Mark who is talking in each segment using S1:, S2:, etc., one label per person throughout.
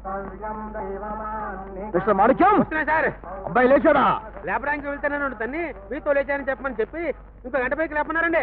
S1: Mister మాణిక్యం
S2: వస్తున్నా sir.
S1: అబ్బాయి లేచాడా?
S2: లేపడానికి వెళ్తానని తన్ని మీతో లేచానని చెప్పమని చెప్పి ఇంకో గంట పైకి లేపన్నారండి.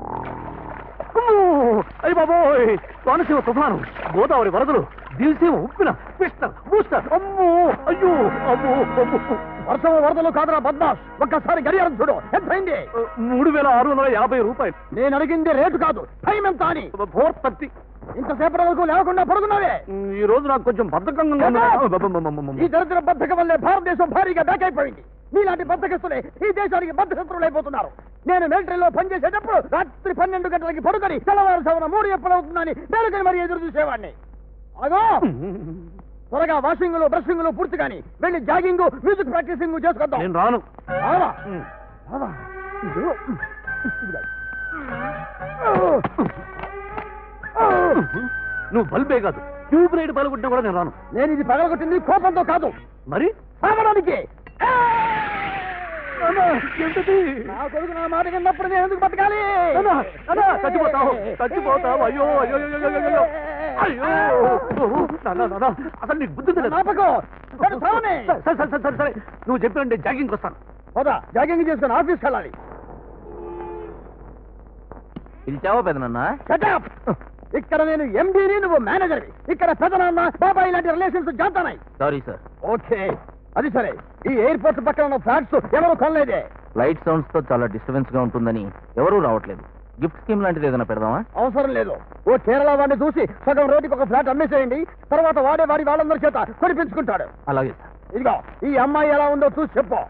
S1: అయ్యి బాబోయ్, కోనసీమ తుఫాను, గోదావరి వరదలు, దిల్సీమ ఉప్పిన, పిస్టల్ బూస్టర్, అమ్మో అయ్యో అమ్మో అమ్మో. వర్షం వరదలు కాదురా బద్మాష్, ఒక్కసారి గడియారం చూడు, ఎంత అయింది? 3650 రూపాయలు. నేను అడిగింది రేటు కాదు, టైం ఎంత అని. 4:30. ఇంతసేపటి వరకు లేకుండా పడుకున్నావే. ఈ రోజు నాకు కొంచెం బద్ధకంగా ఉంది. ఈ దరిద్ర బద్ధకం వల్లే భారతదేశం భారీగా బ్యాక్ అయిపోయింది. నీలాంటి బద్ధకస్తులే ఈ దేశానికి బద్ధశత్రులు అయిపోతున్నారు. నేను మిలిటరీలో పనిచేసేటప్పుడు రాత్రి 12 గంటలకి పడుకొని తెల్లవారుజామున 3 ఎప్పుడవుతుందని మేలుకొని మరీ ఎదురు చూసేవాడిని. అగో త్వరగా వాషింగ్ బ్రషింగ్ పూర్తి కానీ వెళ్ళి జాగింగ్ మ్యూజిక్ ప్రాక్టీసింగ్ చేసుకొద్దాం. నేను రాను. నువ్వు బల్బే కాదు, ట్యూబ్ లైట్ పగలగొట్టినా కూడా నేను రాను. నేను ఇది పగలగొట్టింది కోపంతో కాదు, మరి సాగడానికి. నా కొడుకు నా మాట విన్నప్పుడు నేను ఎందుకు బతకాలి? చచ్చిపోతావు చచ్చిపోతావు. అయ్యో అయ్యో అయ్యో అయ్యో, అసలు నీకు బుద్ధి సరే సరే, నువ్వు చెప్పినంటే జాగింగ్ వస్తాను. పోదా, జాగింగ్ చేసుకుని ఆఫీస్కి వెళ్ళాలి.
S3: పిలిచావా పెదనన్నా?
S1: ఇక్కడ నేను ఎండీని, నువ్వు మేనేజర్వి. ఇక్కడ పెదనాన్న బాబాయ్ ఇలాంటి రిలేషన్స్ జాతానాయి.
S3: Sorry sir.
S1: ఓకే, అది సరే. ఈ ఎయిర్పోర్ట్ పక్కన ఉన్న ఫ్లాట్స్ ఎవరు కొనలేదే.
S3: లైట్ సౌండ్స్ తో చాలా డిస్టర్బెన్స్ గా ఉంటుందని ఎవరూ రావట్లేదు. గిఫ్ట్ స్కీమ్ లాంటిది ఏదైనా పెడదామా?
S1: అవసరం లేదు. ఓ కేరళ వాడిని చూసి సగం రోడ్డుకి ఒక ఫ్లాట్ అమ్మేసేయండి. తర్వాత వాడి వాళ్ళందరి చేత కొనిపించుకుంటాడు.
S3: అలాగే సార్.
S1: ఇదిగో ఈ అమ్మాయి ఎలా ఉందో చూసి చెప్పు.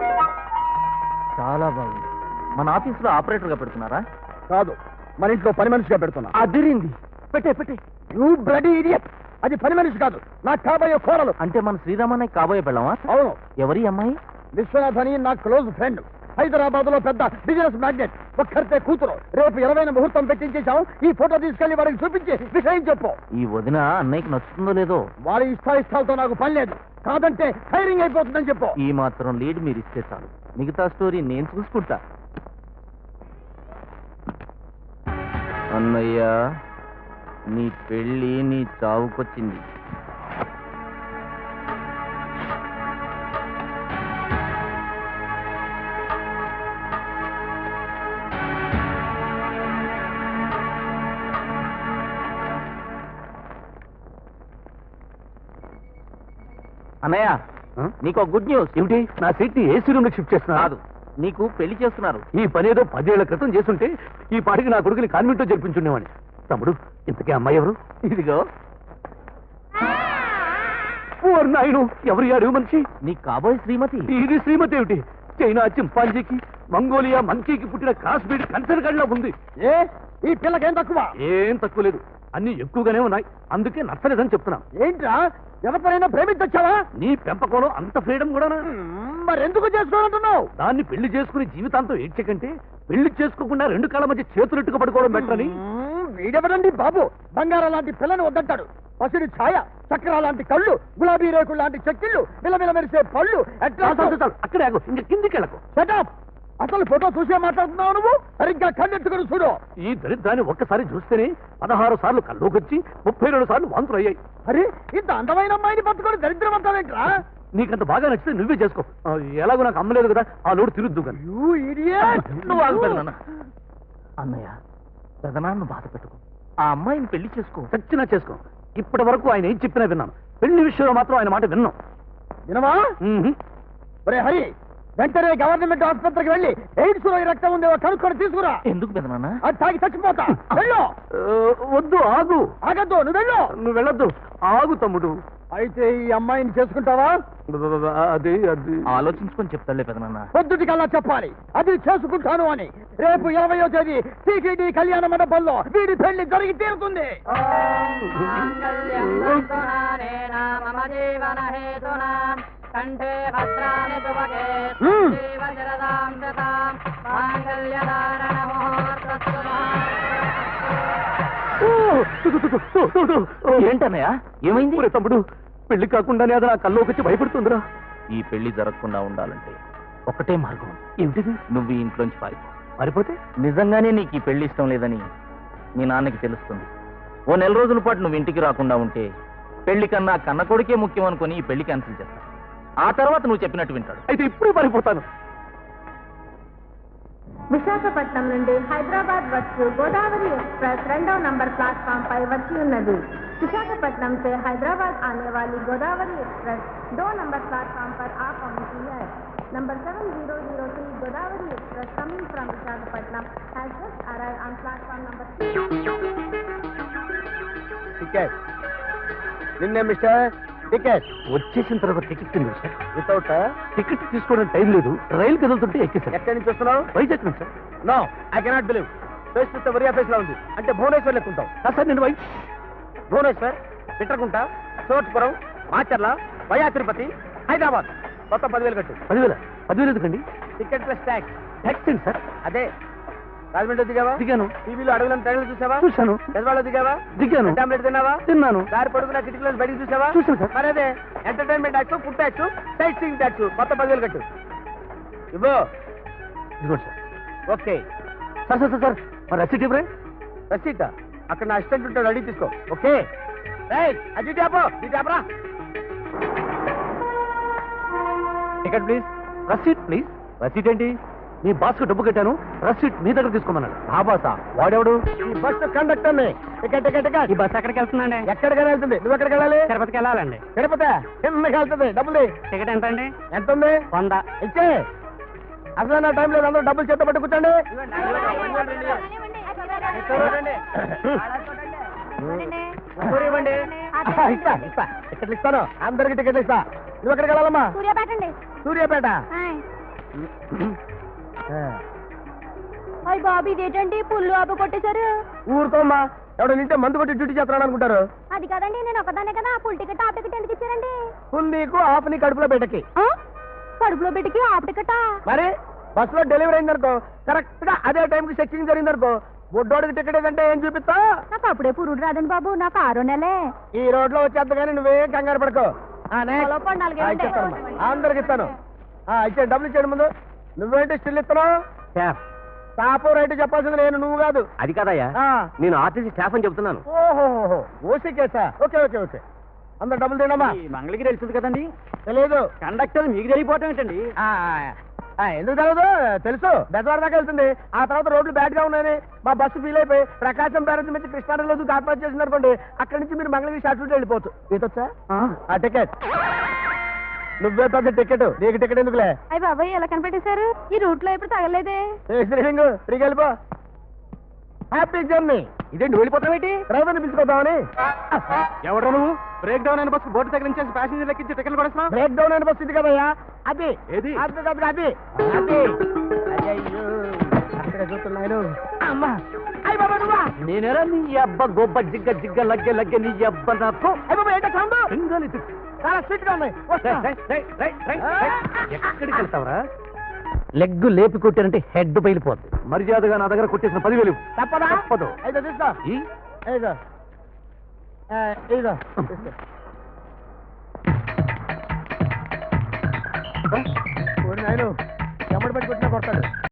S3: చాలా బాగుంది. మన ఆఫీస్ లో ఆపరేటర్ గా పెడుతున్నారా?
S1: కాదు, మన ఇంట్లో పని మనిషిగా పెడుతున్నా.
S3: అదిరింది. పెట్టే.
S1: You bloody idiot. అది పని మనిషి కాదు, నాకు కాబోయే కోరలు.
S3: అంటే మన శ్రీరామన్నయ్య కాబోయే పెళ్ళామా?
S1: అవును.
S3: ఎవరి అమ్మాయి?
S1: విశ్వనాథ్ అని నా క్లోజ్ ఫ్రెండ్. హైదరాబాద్ లో పెద్ద బిజినెస్ మ్యాగ్నెట్. ఒక్కరితే కూతురు. రేపు 20న ముహూర్తం పెట్టించేశాం. ఈ ఫోటో తీసుకెళ్లి వాడికి చూపించి విషయం చెప్పు.
S3: ఈ వదిన అన్నయ్యకి నచ్చుతుందో లేదో?
S1: వారి ఇష్టాయిష్టాలతో నాకు పని లేదు. కాదంటే ఫైరింగ్ అయిపోతుందని చెప్పు.
S3: ఈ మాత్రం లీడ్ మీరు ఇస్తే చాలు, మిగతా స్టోరీ నేను చూసుకుంటా. అన్నయ్య, నీ పెళ్ళి నీ చావుకొచ్చింది. అన్నయ్య, నీకు గుడ్ న్యూస్.
S1: ఏమిటి? నా సీట్ ని ఏసీ రూమ్ షిఫ్ట్ చేస్తున్నా?
S3: కాదు, నీకు పెళ్లి చేస్తున్నారు.
S1: ఈ పని ఏదో 10 ఏళ్ల క్రితం చేస్తుంటే ఈ పాటికి నా కొడుకుని కాన్వెంట్ లో జరిపించుండేవాడిని. తమ్ముడు, ఇంతకీ అమ్మాయి ఎవరు?
S3: ఇదిగో.
S1: నాయుడు, ఎవరు అడుగు మనిషి?
S3: నీ కాబోయే శ్రీమతి.
S1: ఇది శ్రీమతి ఏమిటి? చైనా చింపాంజీకి, మంగోలియా మంకీకి పుట్టిన క్రాస్ బీడ్ కన్సర్ గడిలో ఉంది. ఈ పిల్లకేం తక్కువ? ఏం తక్కువ లేదు, అన్ని ఎక్కువగానే ఉన్నాయి. అందుకే నచ్చలేదని చెప్తున్నాం. ఏంట్రా, ఎవరినైనా ప్రేమించొచ్చావా? నీ పెంపకంలో అంత ఫ్రీడమ్ కూడా మరెందుకు చేసుకోవాలంటున్నావు? దాన్ని పెళ్లి చేసుకుని జీవితాంతం ఏడ్చకంటే పెళ్లి చేసుకోకుండా 2 కాళ్ళ మధ్య చేతులెట్టుకు పడుకోవడం బెటరని. వీడెవడండి బాబు, బంగారం లాంటి పిల్లని వద్దంటాడు. పసిడి ఛాయ, చక్రాల లాంటి కళ్ళు, గులాబీ రేకులు లాంటి చెక్కిళ్ళు, విలవిల మెరిసే పళ్ళు. అక్కడే ఆగు, ఇంక కిందికి వెళ్ళకు. సెటప్. అసలు ఫోటో చూసే మాట్లాడుతున్నావు నువ్వు? సరిగ్గా కన్నెత్తుకుని చూడు. ఈ దరిద్రాన్ని ఒక్కసారి చూస్తేనే 16 సార్లు కల్లోకొచ్చి 32 సార్లు వాంతులు అయ్యాయి. అరే, ఇంత అందమైన అమ్మాయిని పట్టుకొని దరిద్రం అంటావేంట్రా? నీకంత బాగా నచ్చితే నువ్వే చేసుకో. ఎలాగో నాకు అమ్మలేదు కదా, ఆ లోటు తిరుద్దు కానీ.
S3: నువ్వు ఆగుతాను. అన్నయ్య, పెదనాన్న బాధ పెట్టుకో. ఆ అమ్మాయిని పెళ్లి చేసుకో.
S1: చచ్చినా చేసుకో. ఇప్పటి వరకు ఆయన ఏం చెప్పినా విన్నాను. పెళ్లి విషయంలో మాత్రం ఆయన మాట విన్నాం. వినవా? ఒరే హరి, వెంటనే గవర్నమెంట్ ఆసుపత్రికి వెళ్ళి ఎయిడ్స్ లో రక్తం ఉందేవో కనుక్కొని తీసుకురా.
S3: ఎందుకు పెదనాన్న?
S1: అది తాగి చచ్చిపోతా. వెళ్ళు. వద్దు, ఆగు. ఆగద్దు, నువ్వు వెళ్ళు. నువ్వు వెళ్ళొద్దు, ఆగు తమ్ముడు. అయితే ఈ అమ్మాయిని చేసుకుంటావా? అది
S3: ఆలోచించుకొని చెప్తాడులే పెదనాన్న.
S1: పొద్దుటికల్లా చెప్పాలి, అది చేసుకుంటాను అని. రేపు 20వ తేదీ టీటీడీ కళ్యాణ మండపంలో వీడి పెళ్లి జరిగి తీరుతుంది. కంఠే భద్రాని తువకే జీవజరదాం దతాం మాంగళ్యధారణ ముహూర్తస్తు.
S3: ఏంటన్నయ్య, ఏమైంది?
S1: తమ్ముడు, పెళ్లి కాకుండానే అది నా కల్లోకి వచ్చి భయపడుతుందిరా.
S3: ఈ పెళ్లి జరగకుండా ఉండాలంటే ఒకటే మార్గం.
S1: ఏమిటిది?
S3: నువ్వు ఈ ఇంట్లోంచి
S1: పారిపోతే
S3: నిజంగానే నీకు ఈ పెళ్లి ఇష్టం లేదని మీ నాన్నకి తెలుస్తుంది. ఓ 4 రోజుల పాటు నువ్వు ఇంటికి రాకుండా ఉంటే పెళ్లి కన్నా కన్న కొడుకే ముఖ్యం అనుకుని ఈ పెళ్లి క్యాన్సిల్ చేస్తాను. ఆ తర్వాత నువ్వు చెప్పినట్టు వింటాడు.
S1: అయితే ఇప్పుడు పారిపోతాను.
S4: విశాఖపట్నం నుండి హైదరాబాద్ వచ్చు గోదావరి एक्सप्रेस 2 नंबर प्लेटफॉर्म पर వచ్చి ఉన్నది. विशाखापट्टनम से हैदराबाद आने वाली गोदावरी एक्सप्रेस 2 नंबर प्लेटफॉर्म पर आ पहुंची है. Number 7003 Godavari express coming from Visakhapatnam has just arrived on platform number 3.
S2: Ticket నిన్నే మిస్టర్ టికెట్
S1: వచ్చేసిన తర్వాత టికెట్ తింది సార్.
S2: వితౌట్
S1: టికెట్ తీసుకోవడానికి టైం లేదు. రైలు కదులుతుంటే ఎక్కేసాను.
S2: ఎక్కడి నుంచి వస్తున్నావు?
S1: వైజాగ్ నుంచి sir.
S2: No I cannot believe. Face చూస్తే వరియా ఫేస్ లా ఉంది. అంటే భువనేశ్వర్ లెక్కుంటావు.
S1: సార్ నేను
S2: భువనేశ్వర్, పిట్రకుంట, చోట్పురం, మాచర్ల, వయా తిరుపతి, హైదరాబాద్ మొత్తం 10,000 కట్టు.
S1: 10,000 ఎందుకండి?
S2: Ticket plus tax.
S1: ట్యాక్స్ ఏంటి సార్?
S2: అదే రాజమండ్రి దిగావా?
S1: దిగాను.
S2: టీవీలో అడవులను ట్రైన్లు చూసావా?
S1: చూశాను.
S2: పెద్దవాళ్ళు దిగావా?
S1: దిగాను.
S2: టాబ్లెట్ తిన్నావా?
S1: తిన్నాను.
S2: దారి పడుకున్న కిటికీలో బయటికి చూసావా?
S1: చూశాను సార్.
S2: మరి అదే entertainment tax, food tax, sightseeing tax మొత్తం 10,000 కట్టు. ఇవ్వు.
S1: ఇదిగోండి sir.
S2: Okay.
S1: Sir sir sir sir మరి రసీట్ ఇవ్వరే?
S2: రసీట్ అక్కడ నా అసిస్టెంట్ ఉంటాడు, అడిగి తీసుకో. Okay right. అది ట్యాపో ఈ ట్యాపరా.
S1: Ticket please. Receipt please. Receipt ఏంటి? మీ బాస్కు డబ్బు కట్టాను, రసీట్ మీ దగ్గర తీసుకోమన్నాడు. ఆ బాసా? వాడెవడు?
S2: ఈ బస్సు కండక్టర్ ని. Ticket ticket ticket.
S1: ఈ బస్ ఎక్కడికి వెళ్తుందండి?
S2: ఎక్కడికైనా వెళ్తుంది. నువ్వు ఎక్కడికి వెళ్ళాలి?
S1: తిరుపతికి వెళ్ళాలండి.
S2: తిరుపతి కిందకి వెళ్తుంది. డబ్బులు
S1: టికెట్ ఎంత అండి?
S2: ఎంత ఉంది?
S1: 100.
S2: ఇచ్చే. అసలు నా టైం లేదు. అందరూ డబ్బులు చేత పట్టు కూర్చోండి. ఇస్తా ఇస్తా టికెట్లు ఇస్తాను. అందరికి టికెట్లు ఇస్తా. నువ్వు ఎక్కడికి వెళ్ళాలమ్మా?
S4: సూర్యాపేట అండి.
S2: సూర్యాపేట.
S4: అయ్య బాబు ఇదేంటండి పుల్లు ఆపు కొట్టేశారు.
S2: ఊరుకోమ్మా. ఎవడో నింటే మందు కొట్టి డ్యూటీ చేస్తున్నాడు అనుకుంటారు.
S4: అది కదండి, నేను ఒకదానే కదా. ఫుల్ టికెట్ హాఫ్ టికెట్ ఎందుకు ఇచ్చారండి?
S2: ఫుల్ నీకు ఆఫ్ నీ కడుపులో పెట్టకి.
S4: కడుపులో బిడ్డకి హాఫ్ టికెటా?
S2: మరి బస్సులో డెలివరీ అయిందనుకో, కరెక్ట్ గా అదే టైంకి చెక్కింగ్ జరిగిందనుకో, బొడ్డోడికి టికెట్ ఏదంటే ఏం చూపిస్తా?
S4: నాకు అప్పుడే పురుడు రాదండి బాబు, నాకు 6 నెలే.
S2: ఈ రోడ్ లో వచ్చేద్దు కానీ నువ్వేం కంగారు పడుకో. అందరికి ఇస్తాను. ఇచ్చే డబ్బులు ఇచ్చాడు ముందు. నువ్వేంటి స్టిల్ ఇస్తున్నావు? స్టాఫ్ రైట్ చెప్పాల్సింది నేను, నువ్వు కాదు.
S1: అది కాదయ్యా, నేను ఆర్టీసీ స్టాఫ్ అని చెప్తున్నాను.
S2: ఓహో ఓసీ కేసా? Okay okay okay. అందరు డబ్బులు తినమ్మా.
S1: మంగళగిరి వెళ్తుంది కదండి.
S2: తెలియదు.
S1: కండక్టర్ మీకు తెలియపోవటం ఏంటండి?
S2: ఎందుకు తెలియదు? తెలుసు. బెజవాడ దాకా వెళ్తుంది. ఆ తర్వాత రోడ్లు బ్యాడ్ గా ఉన్నాయని మా బస్సు ఫీల్ అయిపోయి ప్రకాశం బ్యారేజ్ నుంచి కృష్ణానదిలో దూకి ఆత్మహత్య చేసింది అనుకోండి. అక్కడి నుంచి మీరు మంగళగిరి షార్ట్ రూట్ వెళ్ళిపోవచ్చు. ఈతొచ్చా? ఆ టికెట్ నువ్వే పెద్ద టికెట్. నీకు టికెట్ ఎందుకులే?
S4: అయ్య బాబాయ్ ఎలా కనిపెట్టేశారు? ఈ రూట్ లో ఎప్పుడు తగలేదే.
S2: ఫ్రీగా వెళ్ళిపో. Happy journey.
S1: ఇదేంటి వెళ్ళిపోతావేంటి?
S2: డ్రైవర్ని పిలుచుకోద్దామని.
S1: ఎవడో నువ్వు? బ్రేక్ డౌన్ అయిన బస్సు బోర్డు దగ్గర నుంచి ప్యాసింజర్ లెక్కించి టికెట్లు కొడేస్తున్నావు.
S2: బ్రేక్ డౌన్ అయిన బస్సు ఇది కదయ్యా. అది
S1: ఏది?
S2: అది అది అది అది. అయ్యో అక్కడ చూస్తున్నాను. అమ్మా అయ్య బాబా నువ్వా?
S1: నేనేరా నీ అబ్బ గొబ్బ జిగ్గ జిగ్గ లగ్గె లగ్గె నీ అబ్బ నాకు.
S2: అయ్య బాబా ఏంటో సౌండ్?
S1: సింగల్
S2: చాలా స్వీట్ గా ఉన్నాయి.
S1: ఎక్కడికి వెళ్తావరా? లెగ్గు లేపి కొట్టారంటే హెడ్ బయలిపోద్ది. మర్యాదగా నా దగ్గర కొట్టేసిన 10,000
S2: తప్పదా?
S1: తప్పదు.
S2: అయితే తీసుకో. ఇదిగో ఇదిగో నాయను ఎమ్మడి పెట్టి కొట్టినా కొడతాడు.